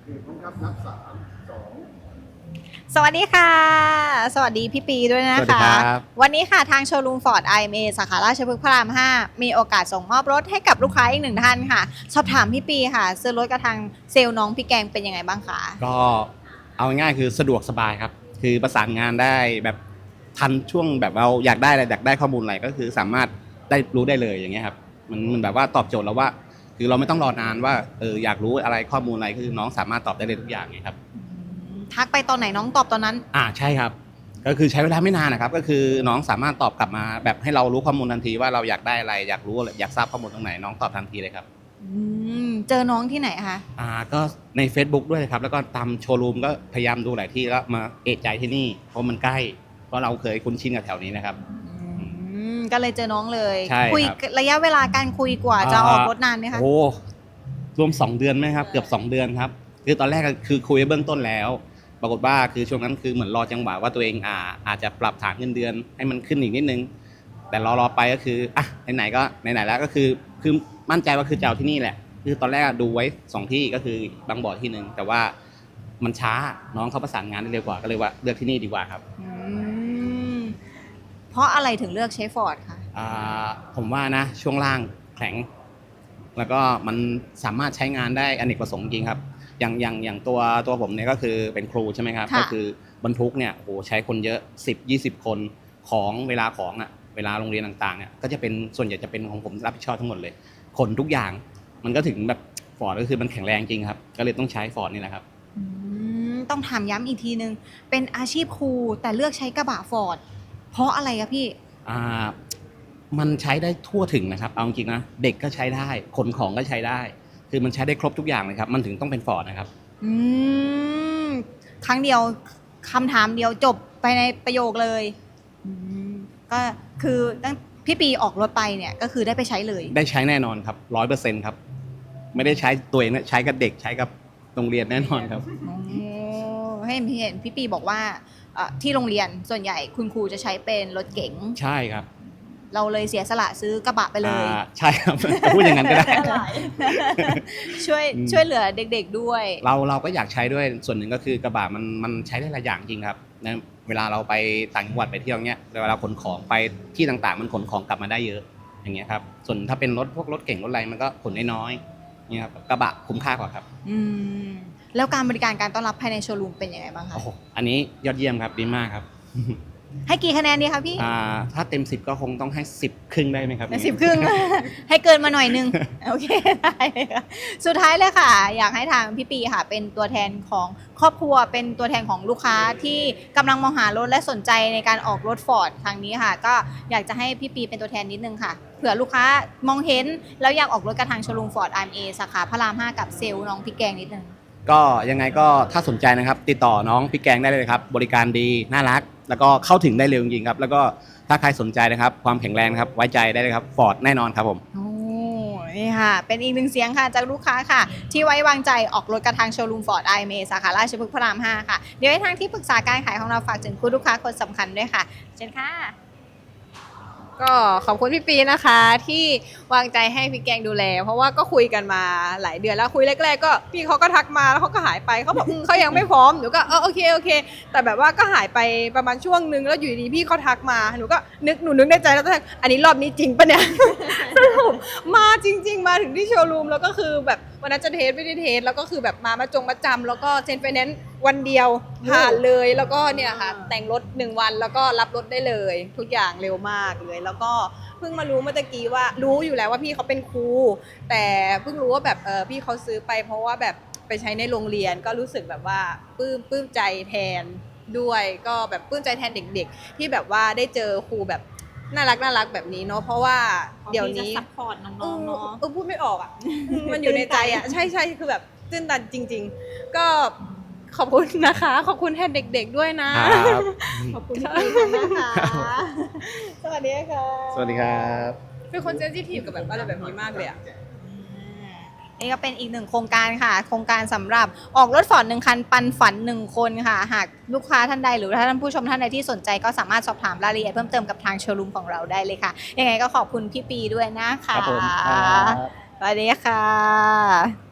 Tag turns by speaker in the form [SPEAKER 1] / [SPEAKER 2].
[SPEAKER 1] พร้อมครับนับ3 2
[SPEAKER 2] สวัสดีค่ะสวัสดีพี่ปีด้วยนะ
[SPEAKER 3] สวัสดี
[SPEAKER 2] คะ
[SPEAKER 3] ครับ
[SPEAKER 2] วันนี้ค่ะทางโชว์รูมฟอร์ด IMA สาขาราชพฤกษ์พระราม 5มีโอกาสส่งมอบรถให้กับลูกค้าอีกหนึ่งท่านค่ะสอบถามพี่ปีค่ะซื้อรถกับทางเซลล์น้องพี่แกงเป็นยังไงบ้างคะ
[SPEAKER 3] ก็เอาง่ายๆคือสะดวกสบายครับคือประสานงานได้แบบทันช่วงแบบเราอยากได้อะไรอยากได้ข้อมูลอะไรก็คือสามารถได้รู้ได้เลยอย่างเงี้ยครับมันแบบว่าตอบโจทย์เราว่าคือเราไม่ต้องรอนานว่าอยากรู้อะไรข้อมูลอะไรคือน้องสามารถตอบได้เลยทุกอย่างไงครับ
[SPEAKER 2] ทักไปตอนไหนน้องตอบตอนนั้น
[SPEAKER 3] ใช่ครับก็คือใช้เวลาไม่นานนะครับก็คือน้องสามารถตอบกลับมาแบบให้เรารู้ข้อมูลทันทีว่าเราอยากได้อะไรอยากรู้อะไรอยากทราบข้อมูลตรงไหนน้องตอบทันทีเลยครับ
[SPEAKER 2] เจอน้องที่ไหนคะ
[SPEAKER 3] ก็ใน Facebook ด้วยครับแล้วก็ตามโชว์รูมก็พยายามดูหลายที่แล้วมาเอะใจที่นี่เพราะมันใกล้เพราะเราเคยคุ้นชินกับแถวนี้นะครับ
[SPEAKER 2] ก็เลยเจอน้องเลย
[SPEAKER 3] ใช่ครับ
[SPEAKER 2] คุยระยะเวลาการคุยกว่าจะออกรถนานไหมคะ
[SPEAKER 3] โอ้รวม2 เดือนไหมครับเกือบ2 เดือนครับคือตอนแรกก็คือคุยเบื้องต้นแล้วปรากฏว่าคือช่วงนั้นคือเหมือนรอจังหวะว่าตัวเองอาจจะปรับฐานเงินเดือนให้มันขึ้นอีกนิดนึงแต่รอไปก็คือไหนๆก็ไหนๆแล้วก็คือมั่นใจว่าคือจะเอาที่นี่แหละคือตอนแรกดูไว้2 ที่ก็คือบางบ่อที่นึงแต่ว่ามันช้าน้องเขาประสานงานได้เร็วกว่าก็เลยว่าเลือกที่นี่ดีกว่าครับ
[SPEAKER 2] เพราะอะไรถึงเลือกใช้ฟอร์ดคะ
[SPEAKER 3] ผมว่านะช่วงล่างแข็งแล้วก็มันสามารถใช้งานได้อเนกประสงค์จริงครับอย่างตัวผมเนี่ยก็คือเป็นครูใช่ไหมครับก็คือบรรทุกเนี่ยโหใช้คนเยอะ10-20 คนของเวลาเวลาโรงเรียนต่างๆเนี่ยก็จะเป็นส่วนใหญ่จะเป็นของผมรับผิดชอบทั้งหมดเลยขนทุกอย่างมันก็ถึงแบบฟอร์ดก็คือมันแข็งแรงจริงครับก็เลยต้องใช้ฟอร์ดนี่แหละครับ
[SPEAKER 2] ต้องถามย้ำอีกทีนึงเป็นอาชีพครูแต่เลือกใช้กระบะฟอร์ดเพราะอะไรคะพี่
[SPEAKER 3] มันใช้ได้ทั่วถึงนะครับเอาจริงนะเด็กก็ใช้ได้ขนของก็ใช้ได้คือมันใช้ได้ครบทุกอย่างเลยครับมันถึงต้องเป็นฟอร์ดนะครับ
[SPEAKER 2] ครั้งเดียวคำถามเดียวจบไปในประโยคเลยก็คือตั้งพี่ปีออกรถไปเนี่ยก็คือได้ไปใช้เลย
[SPEAKER 3] ได้ใช้แน่นอนครับ100%ครับไม่ได้ใช้ตัวเองนะใช้กับเด็กใช้กับโรงเรียนแน่นอนครับ
[SPEAKER 2] ให้เห็นพี่ปีบอกว่าที่โรงเรียนส่วนใหญ่คุณครูจะใช้เป็นรถเก๋ง
[SPEAKER 3] ใช่ครับ
[SPEAKER 2] เราเลยเสียสละซื้อกระบะไปเลย
[SPEAKER 3] ใช่ครับพูดอย่างนั้นก็ได้
[SPEAKER 2] ช่วยเหลือเด็กๆด้วย
[SPEAKER 3] เราก็อยากใช้ด้วยส่วนหนึ่งก็คือกระบะมันใช้ได้หลายอย่างจริงครับนะเวลาเราไปต่างจังหวัดไปเที่ยวเงี้ยเวลาขนของไปที่ต่างๆมันขนของกลับมาได้เยอะอย่างเงี้ยครับส่วนถ้าเป็นพวกรถเก่งรถอะไรมันก็ขนน้อยๆเนี่ยครับกระบะคุ้มค่ากว่าครับ
[SPEAKER 2] แล้วการบริการการต้อนรับภายในโชว์รูมเป็นยังไงบ้างคะ
[SPEAKER 3] โอ้โหอันนี้ยอดเยี่ยมครับดีมากครับ
[SPEAKER 2] ให้กี่คะแนนดีคะพี่
[SPEAKER 3] ถ้าเต็ม10ก็คงต้องให้10 ครึ่งได้ไหมครับ
[SPEAKER 2] 10 ครึ่งให้เกินมาหน่อยนึงโอเคได้ค่ะสุดท้ายเลยค่ะอยากให้ทางพี่ปีค่ะเป็นตัวแทนของครอบครัวเป็นตัวแทนของลูกค้าที่กำลังมองหารถและสนใจในการออกรถฟอร์ดทางนี้ค่ะก็อยากจะให้พี่ปีเป็นตัวแทนนิดนึงค่ะเผื่อลูกค้ามองเห็นแล้วอยากออกรถกระทางโชว์รูมฟอร์ด IMA สาขาพระราม 5กับเซลล์น้องพี่แกงนิดนึง
[SPEAKER 3] ก็ยังไงก็ถ้าสนใจนะครับติดต่อน้องพี่แกงได้เลยครับบริการดีน่ารักแล้วก็เข้าถึงได้เร็วจริงๆครับแล้วก็ถ้าใครสนใจนะครับความแข็งแรงนะครับไว้ใจได้เลยครับฟอร์ดแน่นอนครับผม
[SPEAKER 2] นี่ค่ะเป็นอีกหนึ่งเสียงค่ะจากลูกค้าค่ะที่ไว้วางใจออกรถกระทางโชว์รูมฟอร์ด IMA สาขาราชพฤกษ์พระราม 5ค่ะเดี๋ยวให้ทางที่ปรึกษาการขายของเราฝากถึงคุณลูกค้าคนสำคัญด้วยค่ะเชิญค่ะ
[SPEAKER 4] ก็ขอบคุณพี่ปีนะคะที่วางใจให้พี่แกงดูแลเพราะว่าก็คุยกันมาหลายเดือนแล้วคุยแรกๆก็พี่เขาก็ทักมาแล้วเขาก็หายไปเขาบอกเขายังไม่พร้อมหนูก็โอเคแต่แบบว่าก็หายไปประมาณช่วงนึงแล้วอยู่ดีพี่เขาทักมาหนูก็หนูนึกในใจแล้วอันนี้รอบนี้จริงปะเนี่ย สรุปมาจริงๆมาถึงที่โชว์รูมแล้วก็คือแบบวันนั้นจะเทสไม่ได้เทสแล้วก็คือแบบมาจำแล้วก็เซ็นไฟแนนซ์วันเดียวผ่านเลยแล้วก็เนี่ยค่ะแต่งรถ1 วันแล้วก็รับรถได้เลยทุกอย่างเร็วมากเลยแล้วก็เพิ่งมารู้เมื่อกี้ว่ารู้อยู่แล้วว่าพี่เขาเป็นครูแต่เพิ่งรู้ว่าแบบพี่เขาซื้อไปเพราะว่าแบบไปใช้ในโรงเรียนก็รู้สึกแบบว่าปลื้มใจแทนด้วยก็แบบปลื้มใจแทนเด็กๆที่แบบว่าได้เจอครูแบบน่ารักแบบนี้เนาะเพราะว่าเดี๋ยวนี้
[SPEAKER 2] ซัพพอร์ตน้องๆเนาะ
[SPEAKER 4] พูดไม่ออกอ่ะ มันอยู่ในใจอ่ะใช่คือแบบตื้นตันจริงๆก็ขอบคุณนะคะขอบคุณแทนเด็กๆด้วยนะ
[SPEAKER 2] ขอบคุณพี่นะคะสวัสดีค่ะ
[SPEAKER 3] สวัสดีครับ
[SPEAKER 4] เป็นคนเซนซิทีฟกับแบบอะไรแบบนี้มากเลยอ่ะ
[SPEAKER 2] นี่ก็เป็นอีก1โครงการค่ะโครงการสำหรับออกรถฟอร์ด1 คันปันฝัน1 คนค่ะหากลูกค้าท่านใดหรือท่านผู้ชมท่านใดที่สนใจก็สามารถสอบถามรายละเอียดเพิ่มเติมกับทางโชว์รูมของเราได้เลยค่ะยังไงก็ขอบคุณพี่ปีด้วยนะคะ
[SPEAKER 3] ครับผม
[SPEAKER 2] สวัสดีค่ะ